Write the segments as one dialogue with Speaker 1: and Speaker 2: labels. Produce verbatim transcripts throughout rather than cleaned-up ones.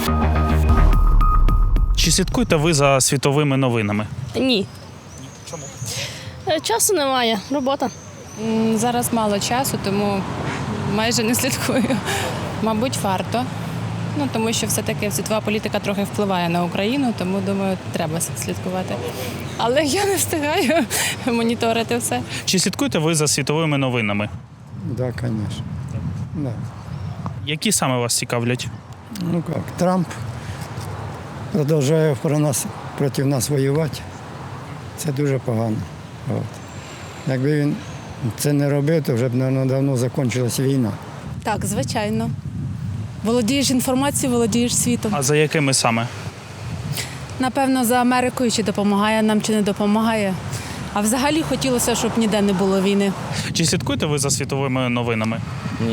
Speaker 1: Чи слідкуєте ви за світовими новинами?
Speaker 2: Ні.
Speaker 1: Чому?
Speaker 2: Е, Часу немає, робота.
Speaker 3: М, Зараз мало часу, тому майже не слідкую. Мабуть, варто. Ну, тому що все-таки світова політика трохи впливає на Україну, тому, думаю, треба слідкувати. Але я не встигаю моніторити все.
Speaker 1: Чи слідкуєте ви за світовими новинами?
Speaker 4: Да, конечно. Да.
Speaker 1: Які саме вас цікавлять?
Speaker 4: Ну как, Трамп продовжує про нас, проти нас воювати. Це дуже погано. От. Якби він це не робив, то вже б, мабуть, давно закінчилась війна.
Speaker 5: Так, звичайно. Володієш інформацією, володієш світом.
Speaker 1: А за якими саме?
Speaker 5: Напевно, за Америкою чи допомагає нам, чи не допомагає. А взагалі хотілося, щоб ніде не було війни.
Speaker 1: Чи слідкуєте ви за світовими новинами?
Speaker 6: Ні.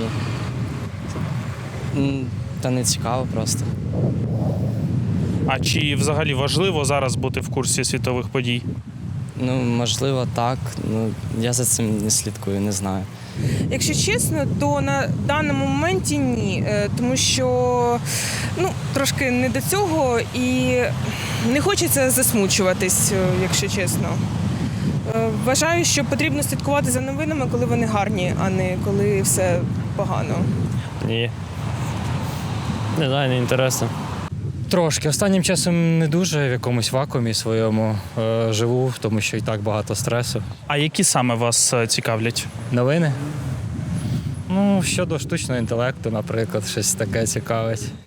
Speaker 6: М, Та не цікаво просто.
Speaker 1: А чи взагалі важливо зараз бути в курсі світових подій?
Speaker 6: Ну, можливо, так. Ну, я за цим не слідкую, не знаю.
Speaker 7: Якщо чесно, то на даному моменті ні, Е, тому що ну, трошки не до цього і не хочеться засмучуватись, е, якщо чесно. Е, Вважаю, що потрібно слідкувати за новинами, коли вони гарні, а не коли все погано.
Speaker 8: Ні. Не знаю, не інтересно.
Speaker 9: Трошки. Останнім часом не дуже в якомусь вакуумі своєму е, живу, тому що і так багато стресу.
Speaker 1: А які саме вас е, цікавлять?
Speaker 9: Новини? Ну, щодо штучного інтелекту, наприклад, щось таке цікавить.